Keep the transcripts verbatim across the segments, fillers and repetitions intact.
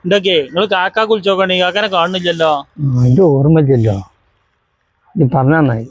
എന്തൊക്കെ നിങ്ങൾ കാക്ക കുളിച്ചോക്കണേ കാക്കനെ കാണുന്നില്ലല്ലോ. അതിന്റെ ഓർമ്മയില്ലല്ലോ, നീ പറഞ്ഞ നന്നായി.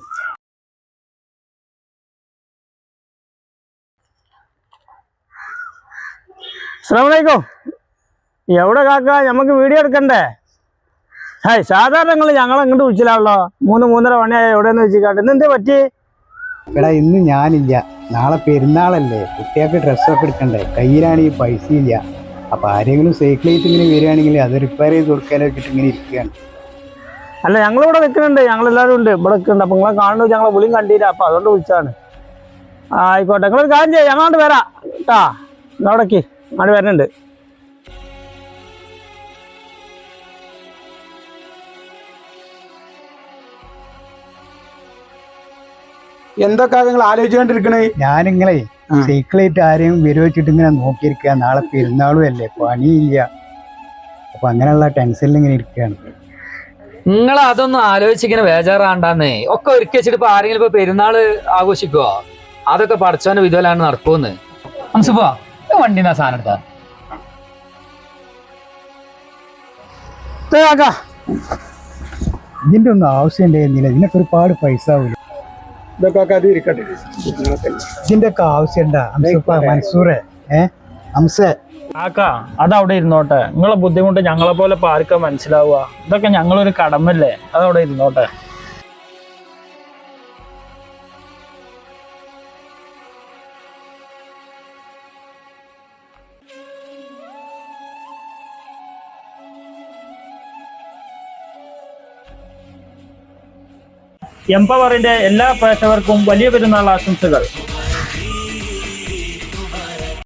അസ്സലാമലൈക്കും. എവിടെ കാക്ക, നമുക്ക് വീഡിയോ എടുക്കണ്ടേ? ഹായ്, സാധാരണ നിങ്ങൾ ഞങ്ങളെ ഇങ്ങോട്ട് വിളിച്ചില്ലാണല്ലോ. മൂന്ന് മൂന്നര മണിയായ എവിടെയെന്ന് വെച്ചിട്ട് ഇന്ന് എന്തേ പറ്റി? എടാ ഇന്ന് ഞാനില്ല, നാളെ പെരുന്നാളല്ലേ, കുട്ടികൾക്ക് ഡ്രസ്സൊക്കെ എടുക്കണ്ടേ, കയ്യിലാണെങ്കിൽ പൈസ ഇല്ല. അപ്പൊ ആരെങ്കിലും സൈക്കിളായിട്ട് ഇങ്ങനെ വരികയാണെങ്കിൽ അത് റിപ്പയർ ചെയ്ത് കൊടുക്കാനോ വെച്ചിട്ട് ഇങ്ങനെ ഇരിക്കുകയാണ്. അല്ല, ഞങ്ങളിവിടെ നിൽക്കുന്നുണ്ട്, ഞങ്ങളെല്ലാവരും ഉണ്ട് ഇവിടെ നിൽക്കുന്നുണ്ട്. അപ്പൊ നിങ്ങളെ കാണുന്നത് ഞങ്ങളെ വിളിയും കണ്ടില്ല, അപ്പൊ അതുകൊണ്ട് വിളിച്ചാണ്. ആയിക്കോട്ടെ, നിങ്ങളൊരു കാര്യം ചെയ്യാം, ഞങ്ങളോട് വരാം കേട്ടാ. അവിടേക്ക് അങ്ങോട്ട് വരുന്നുണ്ട്. എന്തൊക്കെ നിങ്ങൾ ആലോചിച്ചുകൊണ്ടിരിക്കണേ? ഞാനിങ്ങളെ സൈക്കിളായിട്ട് ആരെയും വരുവ വെച്ചിട്ട് ഇങ്ങനെ നോക്കിയിരിക്കുക. നാളെ പെരുന്നാളും അല്ലേ, പണിയില്ല. അപ്പൊ അങ്ങനെയുള്ള ടെൻഷനിൽ ഇങ്ങനെ ഇരിക്കുകയാണ്. നിങ്ങൾ അതൊന്നും ആലോചിച്ചിങ്ങനെ ബേജാറാണ്ടാന്നേ. ഒക്കെ ഒരുക്കി വെച്ചിട്ട് ഇപ്പൊ ആരെങ്കിലും ഇപ്പൊ പെരുന്നാള് ആഘോഷിക്കുവോ? അതൊക്കെ പഠിച്ചവന്റെ വിധുവലാണ് നടക്കുമെന്ന്. അംസുപ്പോ വണ്ടി എന്നാ സാധനം എടുത്താ ഇതിന്റെ ഒന്നും ആവശ്യം ഉണ്ടായിരുന്നില്ല, ഇതിനൊക്കെ ഒരുപാട് പൈസ ആവില്ല. ഇതൊക്കെ അത് ഇരിക്കട്ടെ. ഇതിന്റെ ഒക്കെ ആവശ്യം ഉണ്ടാ മൻസൂറെ? ഏഹ് അംസേ, കാക്ക അതവിടെ ഇരുന്നോട്ടെ. നിങ്ങളെ ബുദ്ധിമുട്ട് ഞങ്ങളെ പോലെ ഇപ്പൊ ആർക്കാ മനസ്സിലാവുക? ഇതൊക്കെ ഞങ്ങളൊരു കടമല്ലേ, അതവിടെ ഇരുന്നോട്ടെ. എംപവറിന്റെ എല്ലാ പ്രേക്ഷകർക്കും വലിയ പെരുന്നാൾ ആശംസകൾ.